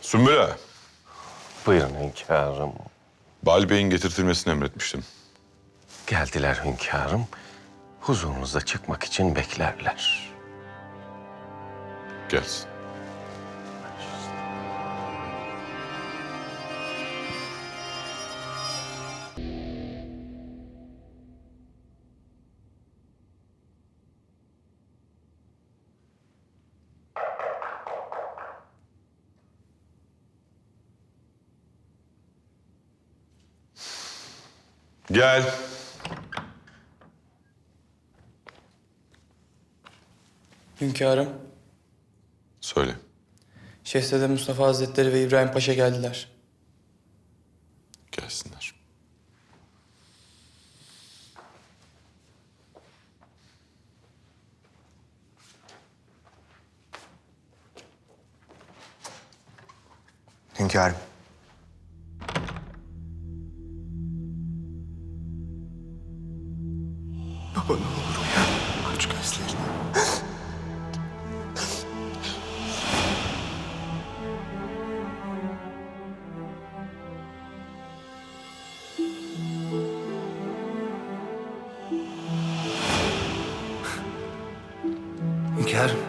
Sümbül Ağa, Buyurun hünkârım. Bali Bey'in getirtilmesini emretmiştim. Geldiler hünkârım. Huzurunuza çıkmak için beklerler. Gelsin. Gel. Hünkârım, Söyle. Şehzade Mustafa Hazretleri ve İbrahim Paşa geldiler. Gelsinler. Hünkârım. Baba ne olur uyan. Aç gözlerini. Hünkârım.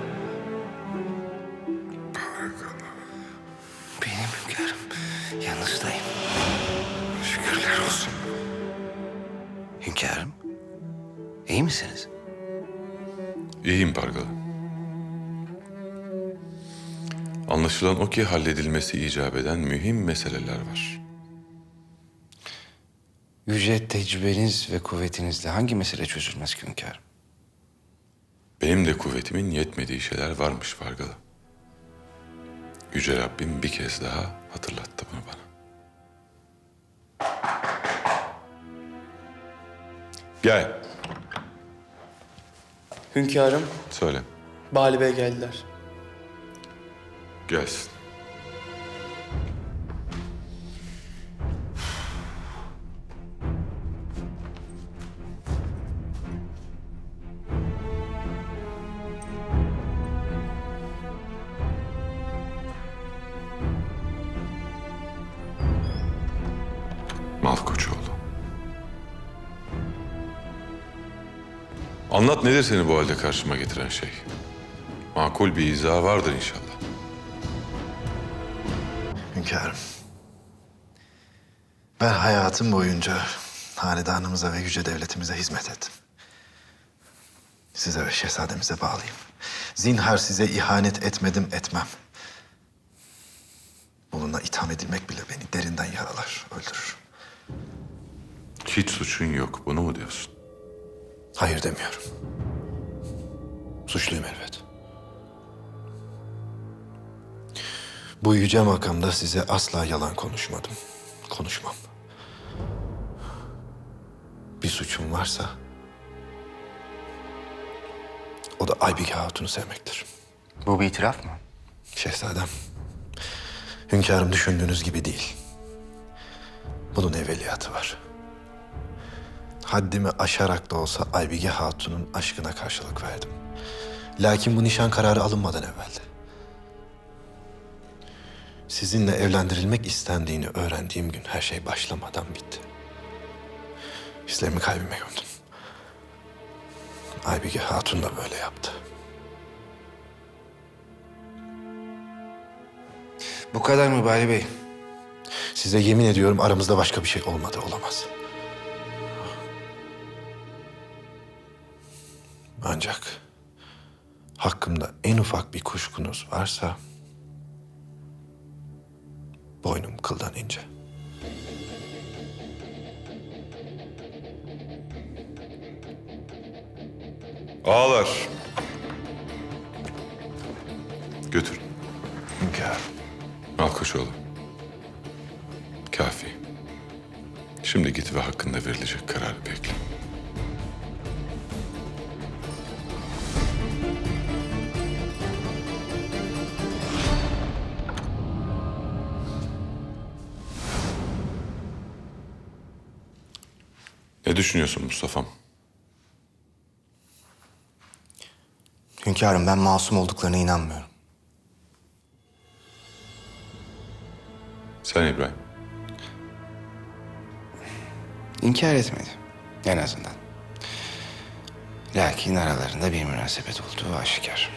Benim hünkârım. Yanınızdayım. Şükürler olsun. Hünkârım. İyi misiniz? İyiyim Pargalı. Anlaşılan o ki halledilmesi icap eden mühim meseleler var. Yüce tecrübeniz ve kuvvetinizle hangi mesele çözülmez ki hünkârım? Benim de kuvvetimin yetmediği şeyler varmış Pargalı. Yüce Rabbim bir kez daha hatırlattı bunu bana. Gel. Hünkârım, Söyle. Bali Bey geldiler. Gelsin. Malkoçoğlu. Anlat, nedir seni bu halde karşıma getiren şey? Makul bir izahı vardır inşallah. Hünkârım, ben hayatım boyunca hanedanımıza ve yüce devletimize hizmet ettim. Size ve şehzademize bağlıyım. Zinhar size ihanet etmedim, etmem. Bununla itham edilmek bile beni derinden yaralar, öldürür. Hiç suçun yok, bunu mu diyorsun? Hayır demiyorum. Suçluyum elbet. Bu yüce makamda size asla yalan konuşmadım. Konuşmam. Bir suçum varsa o da Aybike Hatun'u sevmektir. Bu bir itiraf mı? Şehzadem, hünkârım düşündüğünüz gibi değil. Bunun evveliyatı var. Haddimi aşarak da olsa Aybike Hatun'un aşkına karşılık verdim. Lakin bu nişan kararı alınmadan evveldi. Sizinle evlendirilmek istendiğini öğrendiğim gün her şey başlamadan bitti. Hislerimi kalbime gömdüm. Aybike Hatun da böyle yaptı. Bu kadar mı Bali Bey? Size yemin ediyorum aramızda başka bir şey olmadı, olamaz. Ancak hakkımda en ufak bir kuşkunuz varsa boynum kıldan ince. Ağlar. Götür. Hünkârım. Malkoçoğlu. Kafi. Şimdi git ve hakkında verilecek kararı bekle. Ne düşünüyorsun Mustafa'm? Hünkârım ben masum olduklarına inanmıyorum. Sen İbrahim. İnkar etmedi. En azından. Lakin aralarında bir münasebet olduğu aşikar.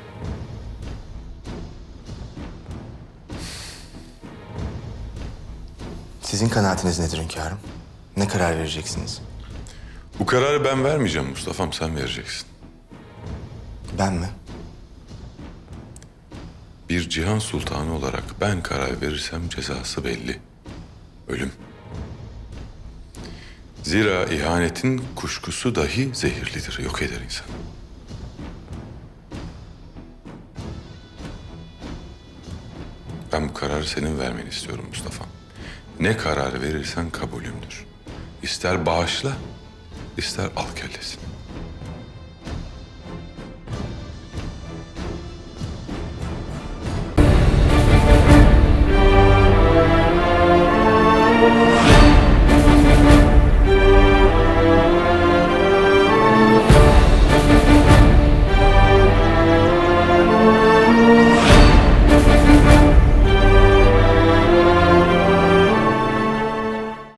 Sizin kanaatiniz nedir hünkârım? Ne karar vereceksiniz? Bu kararı ben vermeyeceğim Mustafa'm, sen vereceksin. Ben mi? Bir cihan sultanı olarak ben karar verirsem cezası belli. Ölüm. Zira ihanetin kuşkusu dahi zehirlidir, yok eder insanı. Ben bu kararı senin vermeni istiyorum Mustafa. Ne karar verirsen kabulümdür. İster bağışla, ister al kellesini.